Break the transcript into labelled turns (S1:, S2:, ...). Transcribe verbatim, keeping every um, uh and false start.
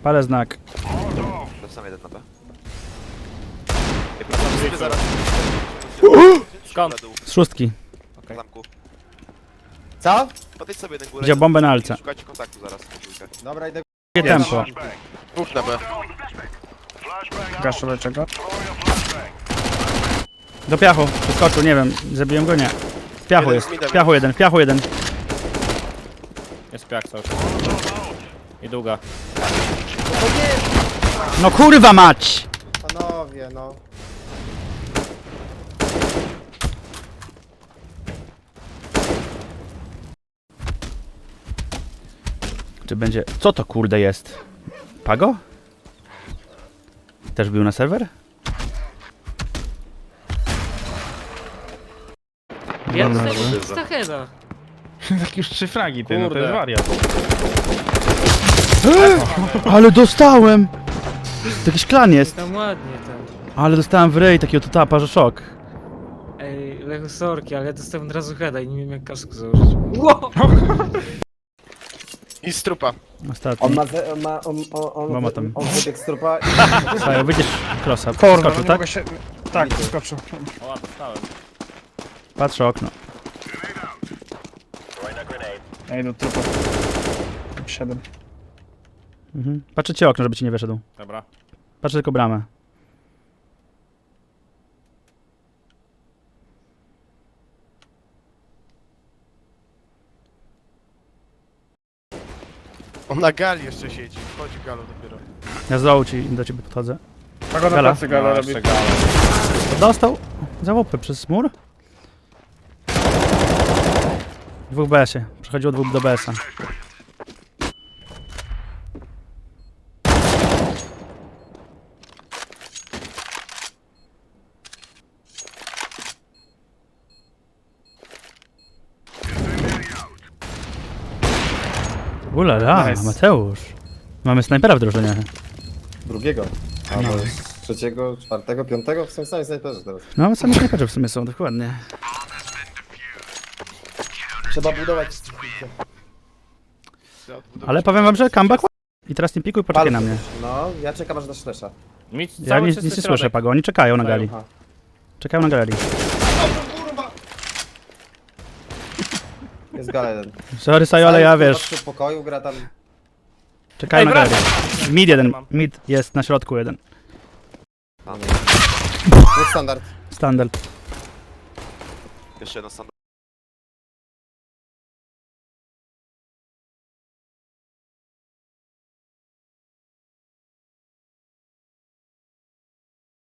S1: Palę znak.
S2: To sam jeden na B. Nie próbowałem sobie zaraz.
S3: Skąd?
S1: Z szóstki.
S2: W zamku.
S4: Co?
S2: Podejdź sobie jeden górę.
S1: Wziął bombę na alce.
S2: Szukajcie kontaktu zaraz.
S4: Dobra, idę.
S1: Jakie tempo.
S2: Dwóch na B.
S5: Gaszę leczego.
S1: Do piachu. Przeskoczył, nie wiem. Zabiłem go, nie. W piachu
S2: Jeden
S1: jest.
S2: z midem
S1: W piachu jeden, w piachu jeden.
S3: Jest piak cały czas. I długa.
S1: No kurwa mać!
S4: Panowie, no.
S1: Czy będzie... Co to kurde jest? Pago? Też był na serwer?
S6: Ja
S1: Dobra,
S6: dostałem
S1: dobra.
S6: Stacheda.
S5: Tak już trzy fragi, ty, no to
S3: Kurde.
S5: jest wariat.
S1: Ale dostałem! To jakiś klan jest.
S6: Tam ładnie tam.
S1: Ale dostałem w rej takiego totapa, że szok.
S6: Ej, Lechu sorki, ale ja dostałem od razu heada i nie wiem jak kasku założyć. Wow!
S2: I strupa.
S1: Ostatni.
S4: On ma, ze, on ma, on, on, on,
S1: Mama
S4: on,
S1: tam.
S4: on wybiegł z trupa i...
S1: Sajo, wyjdziesz krosa.
S5: Kurwa, no
S1: Skoczył,
S5: nie
S1: tak?
S5: mogę się... Tak, skoczył.
S3: O, dostałem.
S1: Patrzę okno.
S5: Ej, do trupa. Siedem.
S1: Mhm. Patrzę ci okno, żeby ci nie wyszedł.
S3: Dobra.
S1: Patrzę tylko bramę.
S2: On na gali jeszcze siedzi. Wchodzi galo dopiero.
S1: Ja z dołu ci do ciebie podchodzę.
S5: Tak ona
S1: Gala.
S5: plecy gala
S3: No,
S5: robi.
S3: jeszcze gala.
S1: Dostał za łopę przez mur. Dwóch B S-ie. Przechodziło dwóch do B S-a. Ulala,
S5: Nice.
S1: Mateusz. Mamy snajpera w drużynie.
S4: Drugiego. Albo trzeciego, czwartego, piątego? Są sami snajperzy teraz.
S1: No, sami snajperzy w sumie są, dokładnie.
S4: Trzeba budować...
S1: Ale powiem wam, że comeback. I teraz nie pikuj, poczekaj na mnie.
S4: No, ja czekam aż dasz flesza.
S3: Mi
S1: Ja
S3: cały
S1: nic,
S3: czysty
S1: nic nie
S3: środek.
S1: słyszę, Pago. Oni czekają na gali.
S4: Aha.
S1: Czekają na galerii.
S4: Jest gala jeden.
S1: Sorry, Sajo, ale ja wiesz.
S4: W pokoju gra tam...
S1: Czekają
S3: Ej,
S1: na
S3: wracam!
S1: galerii. Mid jeden. Mid jest na środku jeden.
S4: Tam. Dwóch standard.
S1: Standard.
S2: Jeszcze jeden standard.